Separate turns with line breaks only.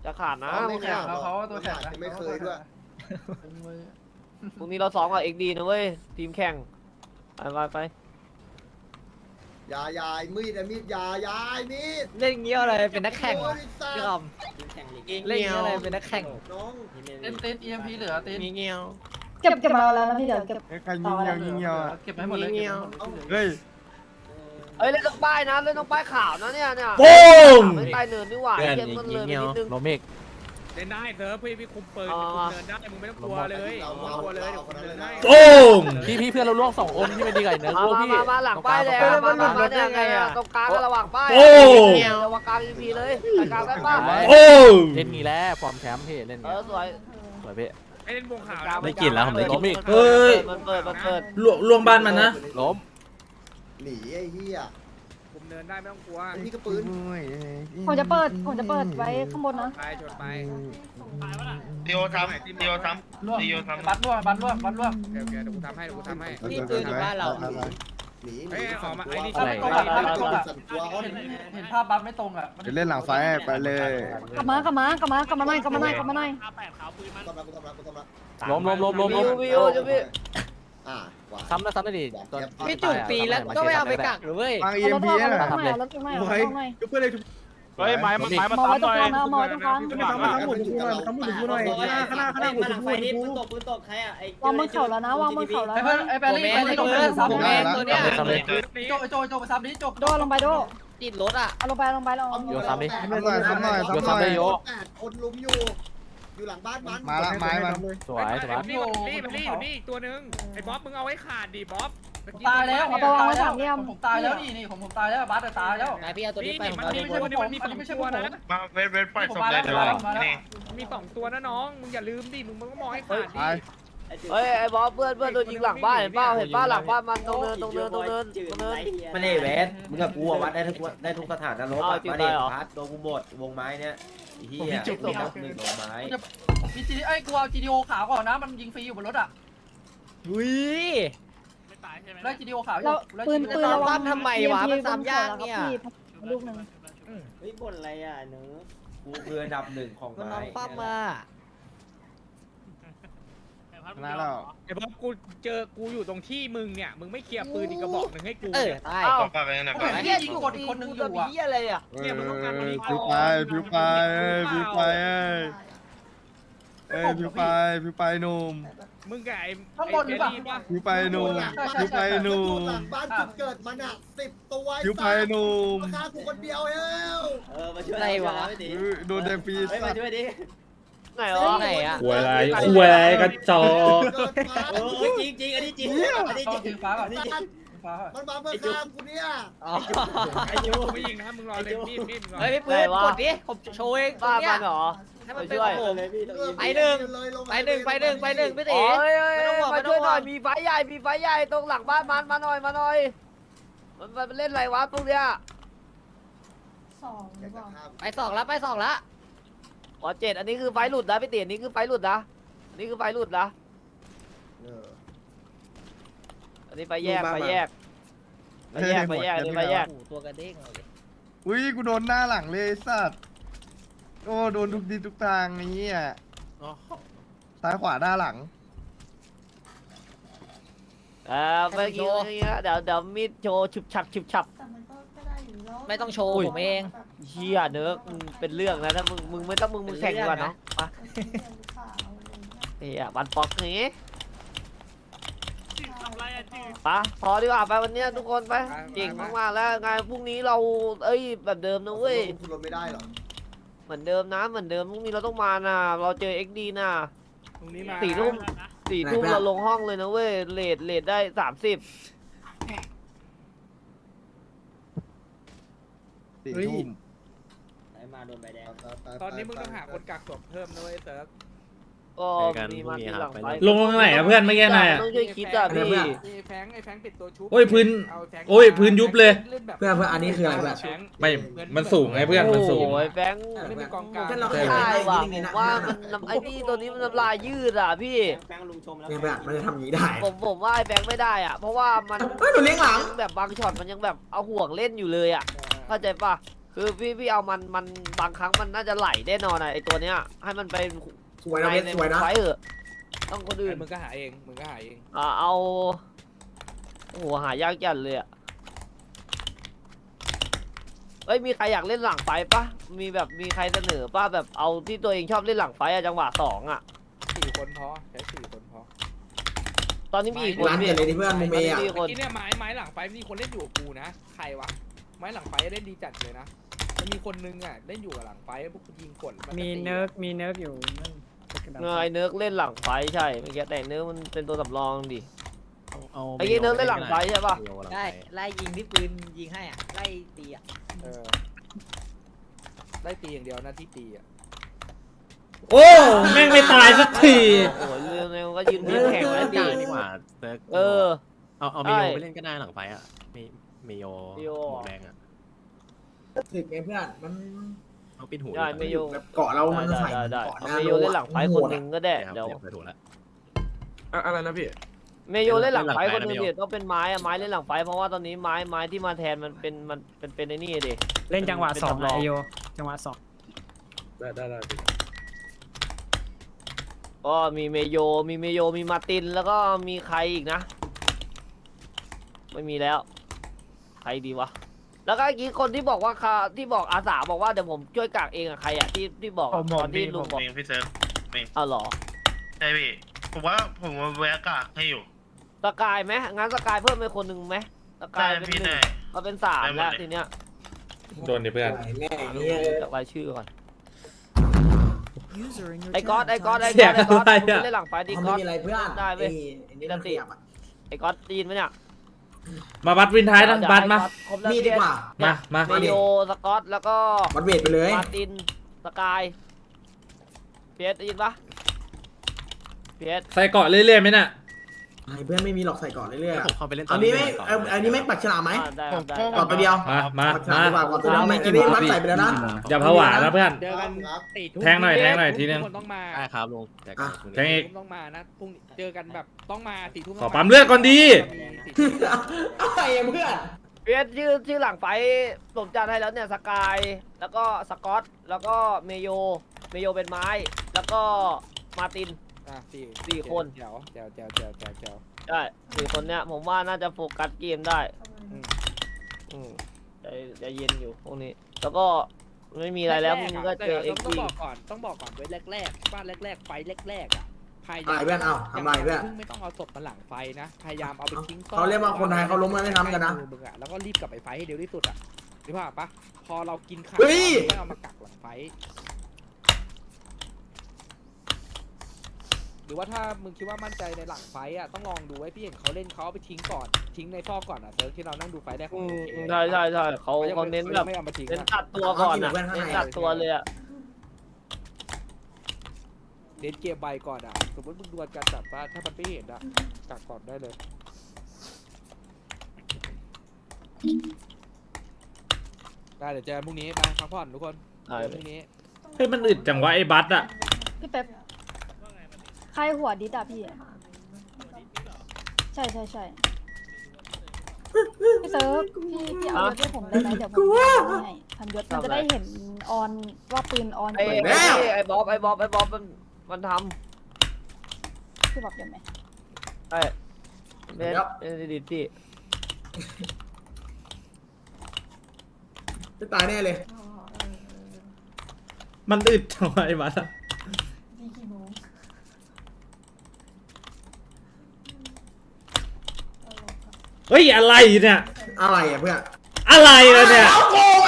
จะขาดนะ
ไม่ขาด
เขาตัวแข็งนะ
ไม่เคยด้วย
พรุ่งนี้เราซ้อมกับเอ็กดีนะเว้ยทีมแข่งไป
ยายมีดมีดยายมีด
เล่นเงี้ยอะไรเป็นนักแข่ง
โอ้ยสัต
พี่
ว์
คอมเล่นเงี้ยอะไรเป็นนักแข่ง
น้อง
เต้นEMP เหลือเต้น
มีเงี้ย
เก็บมาแล้วนะพี่เดี๋ยวเก็บ
ใครยิงเงี้ยวยิงเงี้ยว
เก็บให้หมดเลย
เฮ้ย
เอ้ยเล่นต้องป้ายนะเล่นต้องป้ายขาวนะเนี่ย
ปุ้ม
ไม่ใต้เนินนี่หว่า
เพื่อน
เกมมันเลยไปนิดนึง
โรเมก
เล่นได้เซิร์ฟพี่คุมปืน
อ๋อ
คุมเนินได้มึงไม่ต้องกลัวเลยไม่ต้องกลัวเลยเดี๋ยวคุมเนินให้
ปุ้ม
พี่เพื่อนเราล่วง2 คนที่เป็นดีไก่เนื้อพวกพี่
มาหลังป้ายแล้วมาเนี่ยไงตรงกลางระหว่างป้าย
ปุ้ม
ระหว่างกลาง EP เลยกลางได้ป้า
ปุ้ม
เล่นงี้แล้วฟอร์มแชมป์พี่เล่น
เอ
งี้
อสวย
สวยพี่
ไอ้เล่นวงขาว
ได้กลิ่นแล้วผมได้กลิ่น
เฮ้ยมันเปิด
ลวงบ้านมันนะ
ล้ม
หนีไอ้เหี้ย
คุมเนินได้ไม่ต้องกลัว
ไอ้นี่ก็ปืน
ผมจะเปิดไว้ข้างบนนะ
ไปจดไป
เดียวทำเดียวทำ
ล่วง
เดียวทำ
บัตรล่วงเดี๋ยว
เดี๋ยวกูทำให้
นี่ปืนอยู่บ้านเรา
หนี
เฮ้ยออกมาไอ้นี่
อะไร
สั่นตัวอ้อน
เห็นภาพบัตรไม่ตรงอ่ะ
เดี๋ยวเล่นหลังไฟไปเลย
กลับมากลับหน่อย
กูทำละ
ล้ม
วิวจะพี่
กว่า
ซ้ำได้ดิตอน
พี่จุกตีแล้วก็ไม่เอาไปกักหรือเว้ย
ฟัง
เอา
EMP
รถ
น่ะ
ตรงไหนเอารถตรงไหนเอารถตรงไหน
เพื่อนเลย
เฮ้ยไม้มัน
มองไว้ตรงกลางนะมองไว้ตรงกลาง
ทั้งหมดกูหน่อยทั้งหมดกูหน่อย
วางบนเข่าแล้วนะวางบนเข่าแล้ว
ไอ้แบรี่ไปที่ตรงนี้ซ้ำโจไปซ้ำนี้โจ
โดลงไปโด
ติดรถอ่ะ
เอาลงไปลงไปลง
โยซ้ำดิ
คนลุมอยู่หลังบ้านมัน
มาละไม้มัน
สวยสวย
นี่อยู่นี่อีกตัวนึงไอ้บ๊อบมึงเอาไว้ขาดดิบ๊อบ
ตายแล้วผมตายแล้วนี่ผมตายแล้วบัตรตายแล้ว
นายพี่เอาตัวนี้ไปผม
มัน
เอา
มี
ตัวนี้
ไม่ใช่ผม
ตัวนะ
มาเวทปล่อยศพเลยนี่
มี2ตัวนะน้องมึงอย่าลืมดิมึงก็มองให้ขาด
ไป
ดิ
เฮ้ยไอ้บอสเพื่อนโดนยิงหลังบ้านเห็นป้าหลังบ้านมันตรงเนิน
ไม่ได้แหวนมึงกับกูอะวัดได้ทุกสถานนรกอะมาเด็กพัดโดนกูหมดวงไม้เนี้ยไอ้เหี้ยมีนับหนึ่งวงไม้
มีจีไอ้กูเอา GTO ขาวก่อนนะมันยิงฟรีอยู่บนรถอ่ะ
อุ้ย
ไล่ GTO ขาวอยู่
แล้วปืนระวังลูกหนึ่ง
เฮ้ยบ่นอะไรอ่ะเนื้อกูคืออันดับหนึ่งของ
ก็
ไม้
น้องปั้มมา
นะเรา
ไอ้บ๊อบกูเจอกูอยู่ตรงที่มึงเนี่ยมึงไม่เคลียร์ปืนอีกกระบอกหนึ่งให้กู
ตาย
ก็ไปนั่น
ผมเห็นยิงกดอีกคนนึงอยู่อ่ะ
อะไรอ่ะ
ผิวไปผิวไปผิวไปผิวไปหนุ่ม
มึงกับไอ้
ข้างบนหรือเปล่า
ผิวไปหนุ่มผิวไปหนุ่ม
หลังบ้านจุดเกิดมันอ่ะ10 ตัว
ผิวไปหนุ่ม
ฆ่ากูคนเดียวเอ้ว
มาช่วย
อะไรวะ
โดนแดงปี
มาช่วยดิ
ไหนอ๋อ
ไหนอ่ะ
คุยอะไรกระจอก
จริงอันนี้จริงอันนี้จ
ต้
ริ
อง งถือฟ้าก่อนฟ้า
มันมาเพื่อฆ่ากูเนี่ย
ไอ้ยูไม่ยิงนะมึงรอเลยมีดมึงรอ
เฮ้ยพี่ปืนกดดิผมโชว์เอง
ป้า
เนี่
มั
ย
นเหรอ
ให้มันเป็นของผม ไปหนึ่งพี่
อ๋
ตี
อมาช่วยหน่อยมีไฟใหญ่ตรงหลังบ้านมันมาหน่อยมันเล่นอะไรวะพวกเนี้ย
2หรือเปล่า
ไป2แล้ว
อ๋อ7อันนี้คือไฟหลุดนะพี่ตีอันนี้คือไฟหลุดนะอันนี้คือไฟหลุดนะอันนี้ไฟแยกอันนี้ไฟแยก
ตัวกระเด้งเลย
อุ้ยกูโดนหน้าหลังเลยสัตว์โอ้โดนทุกทีทุกทางนี้อ่ะซ้ายขวาหน้าหลัง
เมื่อกี้เดี๋ยวมีดโชว์ฉุบฉับ
แต่มันก็ได้อยู่แล้ว
ไม่ต้องโชว์ผมเอง
เฮียเนื้อเป็นเรื่องนะถ้ามึงไม่ต้องมึงแข่งดีกว่าเนาะมาเฮียบันปอกนี้ปะพอดีกว่าไปวันนี้ทุกคนไปเก่งมากๆแล้วไงพรุ่งนี้เราแบบเดิมนะเว้ย
คุณรถไม่ได้หรอ
เหมือนเดิมนะเหมือนเดิมพรุ่งนี้เราต้องมานะเราเจอ XD นะ
ตรงนี้มา
4 ทุ่มเราลงห้องเลยนะเว้ยเลทได้30
4 ทุ่ม
มาโดนใบแดง
ตอนนี้มึงต้องหาคนกักศพเพิ่มนะเว้ยเซิร์ฟ
ก็มีมาทีหลังไป
ลงไหนอะเพื่อนไม่แก้ไหนอะ
ต้องช่วยคิดอ่ะพี่
ไอ้แฟงปิดตัวชุบ
โอ้ยพื้นยุบเลย
เพื่อนอันนี้คืออะไรแบบ
ไม่มันสูงไงเพื่อนมันสูง
โอ้ยแบงค์
ไม่มีกองกลาง
ใช่ว่ะผมว่ามันไอ้นี่ตัวนี้มันน้ำลายยืดอ่ะพี่
แฟงลุงชมแล้วมันจะทำอย่างนี้ได้
ผมว่าไอ้แบงค์ไม่ได้อ่ะเพราะว่ามัน
เฮ้ยหนูเลี้ยงหลัง
แบบบางช็อตมันยังแบบเอาห่วงเล่นอยู่เลยอ่ะเข้าใจปะคือพี่เอามันบางครั้งมันน่าจะไหลแน่นอนอะไอตัวเนี้ยให้มันไป
สวยนะเบสสวยนะ
ไฟเถอะต้องคนอื่น
มึงก็หาเองมึงก็หาเอง
เอาโอ้โหหายากจัดเลยอะเอ้ยมีใครอยากเล่นหลังไฟปะมีใครเสนอปะแบบเอาที่ตัวเองชอบเล่นหลังไฟอะจังหวะ2อะ
4 คนพอใช้4 คนพอ
ตอนนี้มีอีกคน
ร้านเด็ดเลยที่เพื่อนมุมเมย์
ต
อ่ะ
มีคน
ที่เนี่ยไม้หลังไฟมีคนเล่นอยู่กับกูนะใครวะไม้หลังไฟเล่นดีจัดเลยนะมันมีคนนึงอ่ะเล่นอยู่กับหลังไฟพวกกูยิงกด
มีเนิร์กอยู่นั่น
ไอ้เนิร์กเล่นหลังไฟใช่เมื่อกี้แต่เนิร์กมันเป็นตัวสำรองดิไอ้เนิร์กเล่นหลังไฟใช่ปะ
ได้ไล่ยิงที่ปืนยิงให้อ่ะไล่ตีอ่ะ
ได้ตีอย่างเดียวนะที่ตีอ่ะ
โอ้แม่งไม่ตายสักที
โอ้โหเร็วๆก็ยืนเรียงแข่งแล้วดิ
ดีกว่าเซิร์ก
เออ
เอาเมโยไปเล่นก็ได้หลังไฟอ่ะเมโยหมวกแดงอ่ะ
ถึกไงเพื่อนมัน
เอาปิดหู
ได้เมโย
แบบเกาะเรามันใส่
ได้
เกาะห
เอา
น้า
เมโยเล่นหลังไฟคนหนึ่งก็ได้
เดี๋
เดี๋
ย
ยว ว
ไปถูกแล้ว
อะไรนะพี่
เมโยเล่นหลังไฟคนหนึ่ง
เล่นหลังไฟนะ
เดี๋ยวต้องเป็นไม้อะไม้เล่นหลังไฟเพราะว่าตอนนี้ไม้ที่มาแทนมันเป็นไอ้นี่ดิ
เล่นจังหวะ
เป็น
2
สำรอง
ไอโยจังหวะ
ได้พี่
ก็มีเมโยมีมาร์ตินแล้วก็มีใครอีกนะ ไม่มีแล้ว ใครดีวะแล้วก็เมื่อกี้คนที่บอกว่าที่บอกอาสาบอกว่าเดี๋ยวผมช่วยกากเองอะใครอะที่บอกอะตอนที่ลุงบอก
เองพี่เซิร์ฟ
อ้าวเหรอ
ใช่พี่ผมว่าแวะกากให้อยู่
สกายไหมงั้นสกายเพิ่มไปคนหนึ่งไหมสกา
ได้
ยเป็น
พี่
หนึ่
ได้
งเราเป็น3แล้วทีเนี้ย
โดนดิเพื่อน
แม่เนี่ย
จากรายชื่อก่อน
User in your
ไอ้ก๊อต
เสียง
มึง
อะไรอะ
เล่นหลังไฟดิ
เขา
ก๊
ไม่
อต
มีอะไรเพื่อน
ได้เว้ย
ไอ้นี่มันขยับอ่ะ
ไอ้ก๊อตได้ยินไหมเนี่ย
มาบัดวินท้ายนะบัดมา
ครบแล้ว
มีดดีกว่า
มา
เมโยสกอตแล้วก็
วัดเวทไปเลย
มาร์ตินสกายเพียสได้ยินปะเพียส
ใส่เกาะเรื่อยๆไหมน่ะ
ไอ้เพื่อนไม่มีหรอกใส่ก่อนเรื่อยๆ
ผมเข้าไปเล่น
อันนี้ไม่อันนี้ไม่ปักฉลามไหม
ได้
ผม
ได้
ก่อนตัวเดียว
มา
ปักฉลามดีกว่าก่อนตัวเดียว
เอาไม่
ไม่
กี่
อันนี้
บาท
มัดใส่ไปแล้วนะ
อย่าผวานะเพื่อน
เจอกัน
ครับ
4 ทุ่ม
แทงหน่อยทีนึง
ทุกคนต้องมา
ได้ครับลุงแจก
แทงอีก
ต้องมานะพรุ่งนี้เจอกันแบบต้องมา4 ทุ่ม
ขอปั๊มเลือดก่อนดี
อะไรอะเพื่อน
เพียสชื่อหลังไฟผมจัดให้แล้วเนี่ยสกายแล้วก็สกอตแล้วก็เมโยเป็นไม้แล้วก็มาร์ติน สี่คน
แจ๋ว
ใช่4 คนเนี้ยผมว่าน่าจะโฟกัสเกมได้ใจเย็นอยู่พวกนี้ แล้วก็ไม่มีอะไรแล้วมึงก็เจอเอ็ก
ต้อ
ซ์
งบอกก่อนไว้แรกๆบ้านแรกๆไฟแรกๆอ่ะพยายา
อะไรเพื่อนเอาทำอะไรเพื่อน
ไม่ต้องเอาศพมาหลังไฟนะพยายามเอาไปทิ้ง
เขาเรียกว่าคนไทยเขาล้มกันไม่ทำกันนะ
มึงอะแล้วก็รีบกลับไปไฟให้เร็วที่สุดอ่ะหรือเปล่าปะพอเรากินขาด
เฮ้ย
ไม่เอามากักหลังไฟหรือว่าถ้ามึงคิดว่ามั่นใจในหลังไฟอ่ะต้องลองดูไว้พี่เห็นเขาเล่นเขาเอาไปทิ้งก่อนทิ้งในซอกก่อนอ่ะเซิร์ฟที่เรานั่งดูไฟแรกของ
ใช่เขาเน้นแบบ
ไม่เอามาทิ้ง
เน้น
อะ
ตัดตัวก่อนนะเน้นตัดตัวเลยอะ
เน้นเกมใบก่อนอ่ะสมมติมึงดวลกันจับว่าถ้ามันไม่เห็นอ่ะกักก่อนได้เลยได้เดี๋ยวเจอกันพรุ่งนี้ไปพักผ่อนทุกคนเจอกันพรุ่งนี้
เฮ้ยมันอึดจังวะไอ้บัสอะ
พี่เป๊ปใครหัวดิดอ่ะพี่ ใช่พี่เซิร์ฟพี่เอารถให้ผมได้ไหมเดี๋ยวผมให้พันยศมันจะได้เห็นออนว่าปืนออน
ไอ้บ๊อบมันท
พี่บอกยังไง
ำไอ้เล่นดิที่
จะตายแน่เลย
มันอึดจังวะไอ้บัสอะ
ดีกี่โมง
เฮ้ยอะไรเนี่ย
อะไรอะเพื่อน
อะไรล่ะเนี่ย
เอาโกง